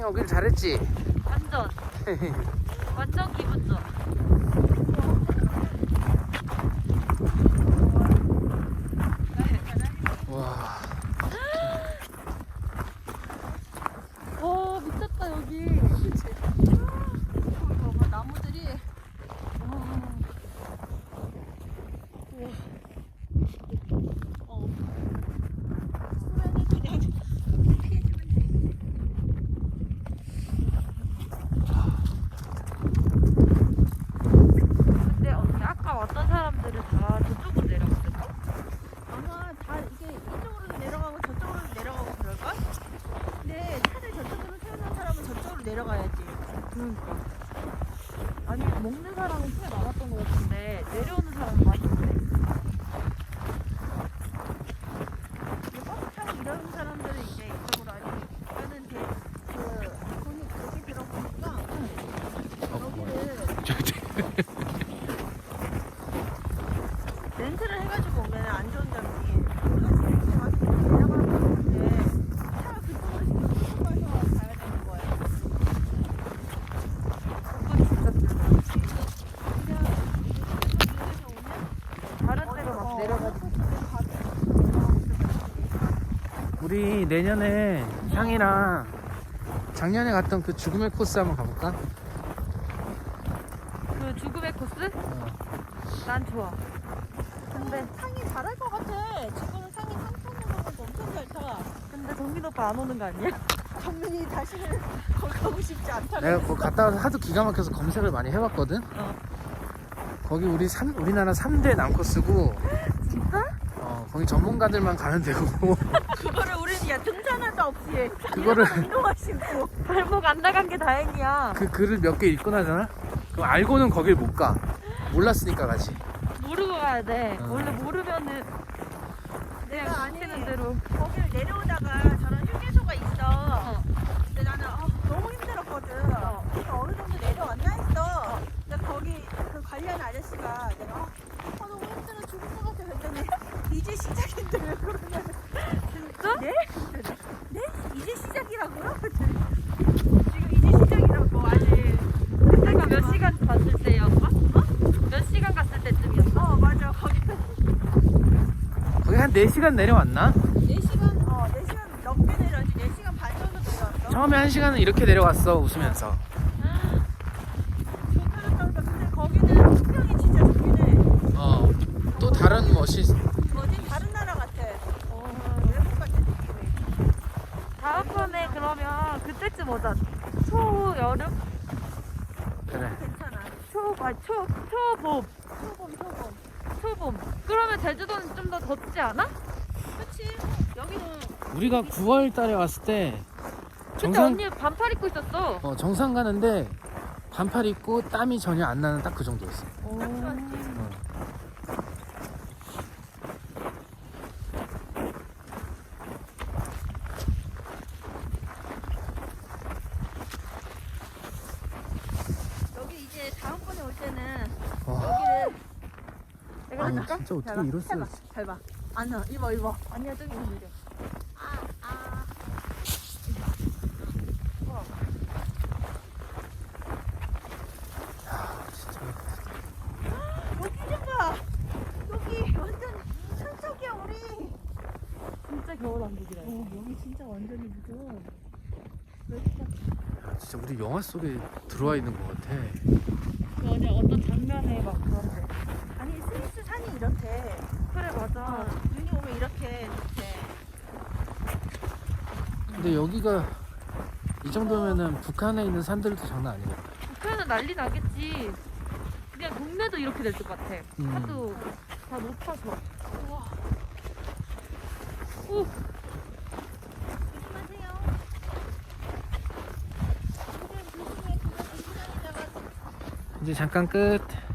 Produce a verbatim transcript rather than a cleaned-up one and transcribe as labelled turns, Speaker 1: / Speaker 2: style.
Speaker 1: 오길 잘했지?
Speaker 2: 완전 완전 기분 좋아.
Speaker 1: 와.
Speaker 2: 와 미쳤다 여기.
Speaker 3: 봐봐 나무들이. 어. 소라는 그냥 피해주면 돼.
Speaker 2: 근데 언니 아까 왔던 사람들은 다 저쪽으로 내려갔을까?
Speaker 3: 아마 다 이게 이쪽으로 내려가고 저쪽으로 내려가고 그럴걸? 근데 차를 저쪽으로 세우는 사람은 저쪽으로 내려가야지.
Speaker 2: 그러니까. 아니 먹는 사람은 꽤 많았던 것 같은데 내려오는 사람은 많이 없네.
Speaker 3: 근데 버스 타고 이러는 사람들은 이제 이쪽으로 아니 나는 대, 그 돈이 그렇게 들어보니까 여기를 렌트를 해가지고 오면 안 좋은 점이 우리가 지금 이렇게 와서 내려가는 건데 차가 그쪽으로 시켜서 가서 가야 되는 거예요.
Speaker 2: 그건 진짜 불만.
Speaker 3: 그냥 이쪽에서 오면
Speaker 2: 다른 데로 막 내려가지고.
Speaker 1: 우리 내년에 향이랑 작년에 갔던 그 죽음의 코스 한번 가볼까?
Speaker 2: 그 죽음의 코스? 난 좋아.
Speaker 3: 근데 상이 잘할 것 같아. 지금은 상이 삼천원 정도 엄청 잘 타.
Speaker 2: 근데 정민 오빠 안 오는 거 아니야?
Speaker 3: 정민이 다시는 거기 가고 싶지 않다는.
Speaker 1: 내가 거 갔다 와서 하도 기가 막혀서 검색을 많이 해봤거든?
Speaker 2: 어.
Speaker 1: 거기 우리 삼, 우리나라 삼 대 남코스고
Speaker 2: 진짜?
Speaker 1: 어, 거기 전문가들만 가는 데고
Speaker 3: 그거를 우리는 야 등산화도 없이
Speaker 1: 그거를-
Speaker 3: 운동화 신고.
Speaker 2: 발목 안 나간 게 다행이야.
Speaker 1: 그 글을 몇 개 읽고 나잖아? 그럼 알고는 거길 못 가. 몰랐으니까 가지.
Speaker 2: 모르고 가야 돼.
Speaker 1: 어.
Speaker 2: 원래 모르면은
Speaker 3: 내가
Speaker 2: 그냥
Speaker 3: 아니
Speaker 2: 시키는 대로.
Speaker 3: 거기를 내려오다가 저런 휴게소가 있어.
Speaker 2: 어.
Speaker 3: 근데 나는 어, 너무 힘들었거든.
Speaker 2: 어.
Speaker 3: 그래서 어느 정도 내려왔나 했어. 근데 거기 그 관련 아저씨가 내가 어, 어, 너무 힘들어 죽을 것 같아 그랬더니 이제 시작인데 왜 그러냐면
Speaker 2: 진짜?
Speaker 3: 네? 네? 이제 시작이라고요? 지금 이제 시작이라고 아직.
Speaker 2: 그때가 몇 시간 갔을 때였어? 어? 몇 시간 갔을 때쯤이었어?
Speaker 3: 어 맞아 거기
Speaker 1: 거기 한 네 시간 내려왔나?
Speaker 3: 네 시간 어 네 시간 넘게 내려왔지. 네 시간 반 정도 내려왔어.
Speaker 1: 처음에 한 시간은 이렇게 내려왔어, 웃으면서.
Speaker 3: 좋다니까. 근데 거기는 풍경이 진짜 좋긴 해.
Speaker 1: 어, 또 다른 멋이.
Speaker 3: 어딘 다른 나라 같아. 어, 외국 같은 느낌이.
Speaker 2: 다음번에 그러면 그때쯤 오자. 초 여름?
Speaker 1: 그래.
Speaker 3: 괜찮아.
Speaker 2: 초, 아, 초, 초봄.
Speaker 3: 소금, 소금.
Speaker 2: 초봄. 그러면 제주도는 좀 더 덥지 않아?
Speaker 3: 그치? 여기는
Speaker 1: 우리가 구월 달에 왔을 때
Speaker 2: 그때
Speaker 1: 정상,
Speaker 2: 언니 반팔 입고 있었어.
Speaker 1: 어, 정상 가는데 반팔 입고 땀이 전혀 안 나는 딱 그 정도였어.
Speaker 2: 오.
Speaker 3: 딱 좋았지.
Speaker 1: 어.
Speaker 3: 여기 이제 다음번에 올 때는
Speaker 1: 와,
Speaker 3: 여기를 내가
Speaker 1: 아니
Speaker 3: 해줄까?
Speaker 1: 진짜 어떻게
Speaker 3: 잘 봐,
Speaker 1: 이럴 수가
Speaker 3: 해봐,
Speaker 1: 있어.
Speaker 3: 잘 봐. 아니야, 입어, 입어.
Speaker 2: 아니야, 저기 있는데.
Speaker 3: 아, 아.
Speaker 1: 진짜.
Speaker 3: 여기 좀 봐. 여기 완전 산속이야, 우리.
Speaker 2: 진짜 겨울왕국이라.
Speaker 3: 어, 여기 진짜 완전히 무서워. 왜 진짜
Speaker 1: 야, 진짜 우리 영화 속에 들어와 있는 것 같아.
Speaker 2: 그 어제 어떤 장면에 막 그런데.
Speaker 3: 아니 스위스 산이 이렇대.
Speaker 2: 그래, 맞아.
Speaker 3: 어, 눈이 오면 이렇게 이렇게.
Speaker 1: 근데 여기가 이 정도면은 북한에 있는 산들도 장난 아니겠다.
Speaker 2: 북한은 난리 나겠지. 그냥 동네도 이렇게 될 것 같아.
Speaker 1: 음.
Speaker 2: 하도 다 높아서. 우와. 오,
Speaker 3: 조심하세요. 지금 조심해. 그거 조심하다가
Speaker 1: 이제 잠깐 끝.